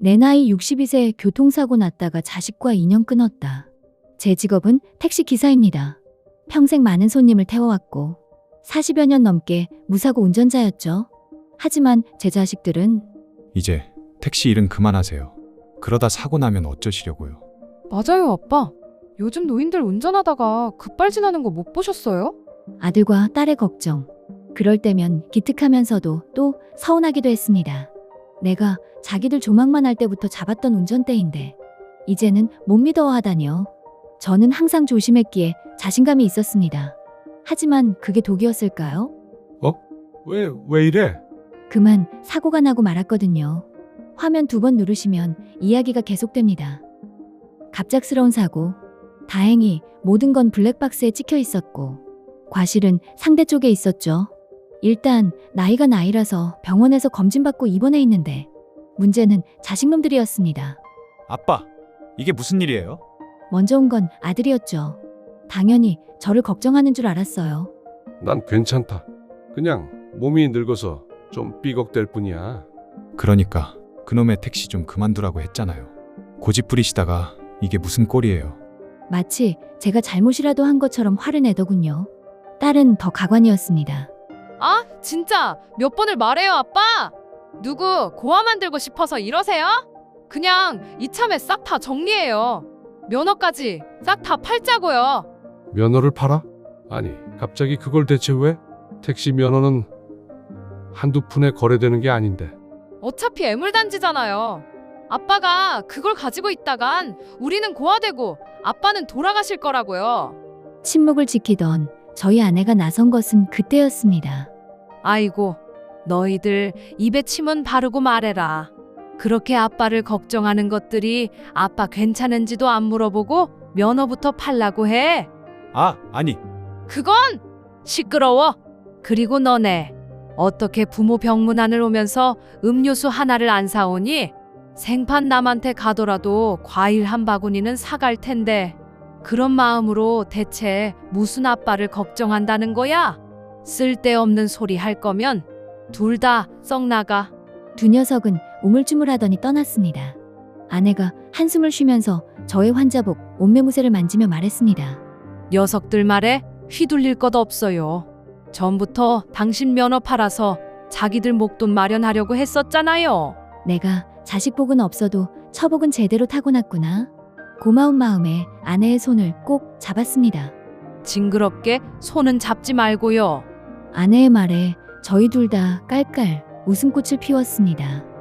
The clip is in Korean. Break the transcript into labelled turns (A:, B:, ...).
A: 내 나이 62세 교통사고 났다가 자식과 인연 끊었다. 제 직업은 택시 기사입니다. 평생 많은 손님을 태워왔고 40여 년 넘게 무사고 운전자였죠. 하지만 제 자식들은
B: 이제 택시 일은 그만하세요. 그러다 사고 나면 어쩌시려고요?
C: 맞아요, 아빠. 요즘 노인들 운전하다가 급발진하는 거 못 보셨어요?
A: 아들과 딸의 걱정. 그럴 때면 기특하면서도 또 서운하기도 했습니다. 내가 자기들 조망만 할 때부터 잡았던 운전대인데 이제는 못 믿어하다니요. 저는 항상 조심했기에 자신감이 있었습니다. 하지만 그게 독이었을까요?
D: 왜 이래?
A: 그만 사고가 나고 말았거든요. 화면 2번 누르시면 이야기가 계속됩니다. 갑작스러운 사고. 다행히 모든 건 블랙박스에 찍혀 있었고 과실은 상대 쪽에 있었죠. 일단 나이가 나이라서 병원에서 검진받고 입원해 있는데 문제는 자식놈들이었습니다.
B: 아빠, 이게 무슨 일이에요?
A: 먼저 온 건 아들이었죠. 당연히 저를 걱정하는 줄 알았어요.
D: 난 괜찮다. 그냥 몸이 늙어서 좀 삐걱댈 뿐이야.
B: 그러니까 그놈의 택시 좀 그만두라고 했잖아요. 고집 부리시다가 이게 무슨 꼴이에요?
A: 마치 제가 잘못이라도 한 것처럼 화를 내더군요. 딸은 더 가관이었습니다.
C: 아, 진짜 몇 번을 말해요, 아빠. 누구 고아 만들고 싶어서 이러세요? 그냥 이참에 싹 다 정리해요. 면허까지 싹 다 팔자고요.
D: 면허를 팔아? 아니, 갑자기 그걸 대체 왜? 택시 면허는 한두 푼에 거래되는 게 아닌데.
C: 어차피 애물단지잖아요. 아빠가 그걸 가지고 있다간 우리는 고아되고 아빠는 돌아가실 거라고요.
A: 침묵을 지키던 저희 아내가 나선 것은 그때였습니다.
C: 아이고, 너희들 입에 침은 바르고 말해라. 그렇게 아빠를 걱정하는 것들이 아빠 괜찮은지도 안 물어보고 면허부터 팔라고 해.
B: 아니.
C: 그건 시끄러워. 그리고 너네 어떻게 부모 병문안을 오면서 음료수 하나를 안 사오니? 생판 남한테 가더라도 과일 한 바구니는 사갈 텐데 그런 마음으로 대체 무슨 아빠를 걱정한다는 거야? 쓸데없는 소리 할 거면 둘 다 썩 나가.
A: 두 녀석은 우물쭈물하더니 떠났습니다. 아내가 한숨을 쉬면서 저의 환자복 옷매무새를 만지며 말했습니다.
C: 녀석들 말에 휘둘릴 것 없어요. 전부터 당신 면허 팔아서 자기들 목돈 마련하려고 했었잖아요.
A: 내가 자식복은 없어도 처복은 제대로 타고났구나. 고마운 마음에 아내의 손을 꼭 잡았습니다.
C: 징그럽게 손은 잡지 말고요.
A: 아내의 말에 저희 둘 다 깔깔 웃음꽃을 피웠습니다.